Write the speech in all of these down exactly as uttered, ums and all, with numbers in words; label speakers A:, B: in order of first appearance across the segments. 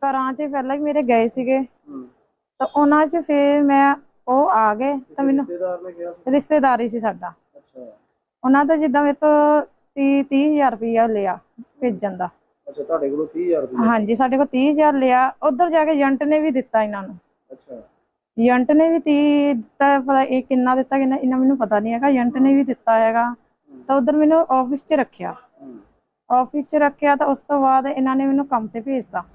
A: ਘਰਾਂ 'ਚ ਪਹਿਲਾਂ ਵੀ ਮੇਰੇ ਗਏ ਸੀਗੇ
B: ਹੂੰ
A: ਤਾਂ ਉਹਨਾਂ 'ਚ ਫਿਰ ਮੈਂ ਉਹ ਆ ਗਏ ਤਾਂ ਮੈਨੂੰ
B: ਰਿਸ਼ਤੇਦਾਰ ਨੇ ਕਿਹਾ ਸੀ?
A: ਰਿਸ਼ਤੇਦਾਰੀ ਸੀ ਸਾਡਾ।
B: ਅੱਛਾ
A: ਉਹਨਾਂ ਦਾ ਜਿੱਦਾਂ ਮੇਰੇ ਤੋਂ ਤੀਹ ਤੀਹ ਹਜ਼ਾਰ ਰੁਪਇਆ ਲਿਆ ਭੇਜਣ ਦਾ।
B: ਅੱਛਾ, ਤੁਹਾਡੇ ਕੋਲੋਂ ਤੀਹ ਹਜ਼ਾਰ ਰੁਪਏ?
A: ਹਾਂਜੀ, ਸਾਡੇ ਕੋਲ ਤੀਹ ਹਜ਼ਾਰ ਲਿਆ। ਉੱਧਰ ਜਾ ਕੇ ਏਜੰਟ ਨੇ ਵੀ ਦਿੱਤਾ ਇਹਨਾਂ ਨੂੰ।
B: ਅੱਛਾ
A: ਏਜੰਟ ਨੇ ਵੀ ਤੀਹ ਦਿੱਤਾ, ਪਤਾ ਇਹ ਕਿੰਨਾ ਦਿੱਤਾ ਕਿੰਨਾ ਇਹਨਾਂ ਮੈਨੂੰ ਪਤਾ ਨਹੀਂ ਹੈਗਾ। ਏਜੰਟ ਨੇ ਵੀ ਦਿੱਤਾ ਹੈਗਾ ਤਾਂ ਉੱਧਰ ਮੈਨੂੰ ਆਫਿਸ 'ਚ ਰੱਖਿਆ।
B: ਹੂੰ
A: ਆਫਿਸ 'ਚ ਰੱਖਿਆ ਤਾਂ ਉਸ ਤੋਂ ਬਾਅਦ ਇਹਨਾਂ ਨੇ ਮੈਨੂੰ ਕੰਮ ਤੇ ਭੇਜਤਾ।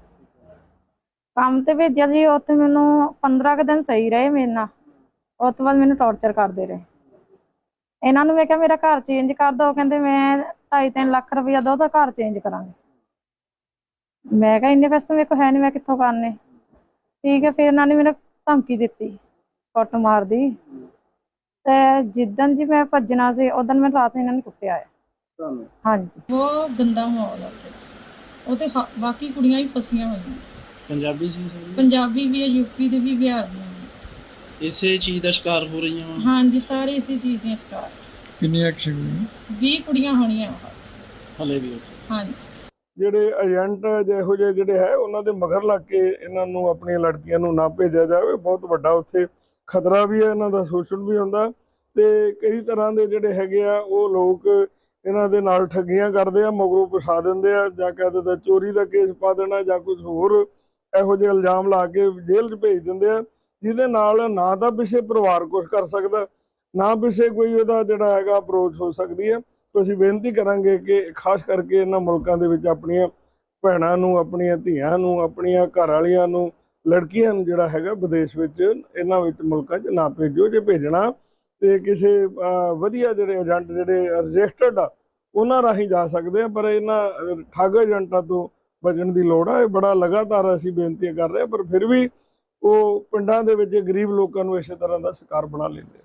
A: ਕੰਮ ਤੇ ਭੇਜਿਆ ਜੀ, ਉੱਥੇ ਮੈਨੂੰ ਪੰਦਰਾਂ ਕੁ ਦਿਨ ਸਹੀ ਰਹੇ ਮੇਰੇ ਨਾਲ। ਉਸ ਤੋਂ ਬਾਅਦ ਮੈਨੂੰ ਟੌਰਚਰ ਕਰਦੇ ਰਹੇ। ਇਹਨਾਂ ਨੂੰ ਮੈਂ ਕਿਹਾ ਮੇਰਾ ਘਰ ਚੇਂਜ ਕਰ ਦਿਓ, ਕਹਿੰਦੇ ਮੈਂ ਢਾਈ ਤਿੰਨ ਲੱਖ ਰੁਪਇਆ ਦੋ ਤਾਂ ਘਰ ਚੇਂਜ ਕਰਾਂਗੇ। ਮੈਂ ਕਿਹਾ ਇੰਨੇ ਪੈਸੇ ਤਾਂ ਮੇਰੇ ਕੋਲ ਹੈ ਨਹੀਂ, ਮੈਂ ਕਿੱਥੋਂ ਕਰਨੇ। ਠੀਕ ਹੈ, ਫਿਰ ਇਹਨਾਂ ਨੇ ਮੈਨੂੰ ਧਮਕੀ ਦਿੱਤੀ ਕੁੱਟ ਮਾਰ ਦੀ। ਤੇ ਜਿੱਦਣ ਜੀ ਮੈਂ ਭੱਜਣਾ ਸੀ ਉਦੋਂ ਮੈਂ ਰਾਤ ਨੂੰ ਇਹਨਾਂ ਨੇ ਕੁੱਟਿਆ ਹੈ।
B: ਤੁਹਾਨੂੰ?
A: ਹਾਂਜੀ,
C: ਬਹੁਤ ਗੰਦਾ ਮਾਹੌਲ ਆ ਉੱਥੇ ਦਾ। ਉਹ ਤੇ ਹ- ਬਾਕੀ ਕੁੜੀਆਂ ਹੀ ਫਸੀਆਂ ਹੋਈਆਂ।
B: ਪੰਜਾਬੀ ਸੀ ਸਭ?
C: ਪੰਜਾਬੀ ਵੀ ਹੈ, ਯੂਪੀ ਦੇ ਵੀ, ਬਿਹਾਰ ਦੀਆਂ ਵੀ।
B: ਇਸੇ ਚੀਜ਼ ਦਾ ਸ਼ਿਕਾਰ ਹੋ ਰਹੀਆਂ ਵਾ?
C: ਹਾਂਜੀ, ਸਾਰੇ ਇਸੇ ਚੀਜ਼ ਦੀਆਂ ਸ਼ਿਕਾਰ।
D: ਕਿੰਨੀਆਂ ਕੁ
C: ਵੀਹ ਕੁੜੀਆਂ ਹੋਣੀਆਂ
B: ਹਲੇ ਵੀ ਉੱਥੇ?
C: ਹਾਂਜੀ।
D: ਜਿਹੜੇ ਏਜੰਟ ਜਿਹੋ ਜਿਹੇ ਜਿਹੜੇ ਹੈ ਉਹਨਾਂ ਦੇ ਮਗਰ ਲੱਗ ਕੇ ਇਹਨਾਂ ਨੂੰ ਆਪਣੀਆਂ ਲੜਕੀਆਂ ਨੂੰ ਨਾ ਭੇਜਿਆ ਜਾਵੇ। ਬਹੁਤ ਵੱਡਾ ਉੱਥੇ ਖਤਰਾ ਵੀ ਹੈ, ਇਹਨਾਂ ਦਾ ਸ਼ੋਸ਼ਣ ਵੀ ਹੁੰਦਾ ਤੇ ਕਈ ਤਰ੍ਹਾਂ ਦੇ ਜਿਹੜੇ ਹੈਗੇ ਆ ਉਹ ਲੋਕ ਇਹਨਾਂ ਦੇ ਨਾਲ ਠੱਗੀਆਂ ਕਰਦੇ ਆ, ਮਗਰੋਂ ਫਸਾ ਦਿੰਦੇ ਆ, ਜਾਂ ਕਹਿ ਦਿੰਦੇ ਚੋਰੀ ਦਾ ਕੇਸ ਪਾ ਦੇਣਾ ਜਾਂ ਕੁਝ ਹੋਰ ਇਹੋ ਜਿਹੇ ਇਲਜ਼ਾਮ ਲਾ ਕੇ ਜੇਲ੍ਹ 'ਚ ਭੇਜ ਦਿੰਦੇ ਆ, ਜਿਹਦੇ ਨਾਲ ਨਾ ਤਾਂ ਪਿੱਛੇ ਪਰਿਵਾਰ ਕੁਝ ਕਰ ਸਕਦਾ, ਨਾ ਪਿੱਛੇ ਕੋਈ ਉਹਦਾ ਜਿਹੜਾ ਹੈਗਾ ਅਪਰੋਚ ਹੋ ਸਕਦੀ ਹੈ। ਅਸੀਂ ਬੇਨਤੀ ਕਰਾਂਗੇ ਕਿ ਖਾਸ ਕਰਕੇ ਇਹਨਾਂ ਮੁਲਕਾਂ ਦੇ ਵਿੱਚ ਆਪਣੀਆਂ ਭੈਣਾਂ ਨੂੰ, ਆਪਣੀਆਂ ਧੀਆਂ ਨੂੰ, ਆਪਣੀਆਂ ਘਰ ਵਾਲੀਆਂ ਨੂੰ, ਲੜਕੀਆਂ ਨੂੰ ਜਿਹੜਾ ਹੈਗਾ ਵਿਦੇਸ਼ ਵਿੱਚ ਇਹਨਾਂ ਵਿੱਚ ਮੁਲਕਾਂ 'ਚ ਨਾ ਭੇਜੋ। ਜੇ ਭੇਜਣਾ ਤੇ ਕਿਸੇ ਵਧੀਆ ਜਿਹੜੇ ਏਜੰਟ ਜਿਹੜੇ ਰਜਿਸਟਰਡ ਆ ਉਹਨਾਂ ਰਾਹੀਂ ਜਾ ਸਕਦੇ ਆ, ਪਰ ਇਹਨਾਂ ਠੱਗ ਏਜੰਟਾਂ ਤੋਂ ਬਚਣ ਦੀ ਲੋੜ ਆ। ਇਹ ਬੜਾ ਲਗਾਤਾਰ ਅਸੀਂ ਬੇਨਤੀ ਕਰ ਰਹੇ ਹਾਂ, ਪਰ ਫਿਰ ਵੀ ਉਹ ਪਿੰਡਾਂ ਦੇ ਵਿੱਚ ਗਰੀਬ ਲੋਕਾਂ ਨੂੰ ਇਸੇ ਤਰ੍ਹਾਂ ਦਾ ਸ਼ਿਕਾਰ ਬਣਾ ਲੈਂਦੇ ਆ।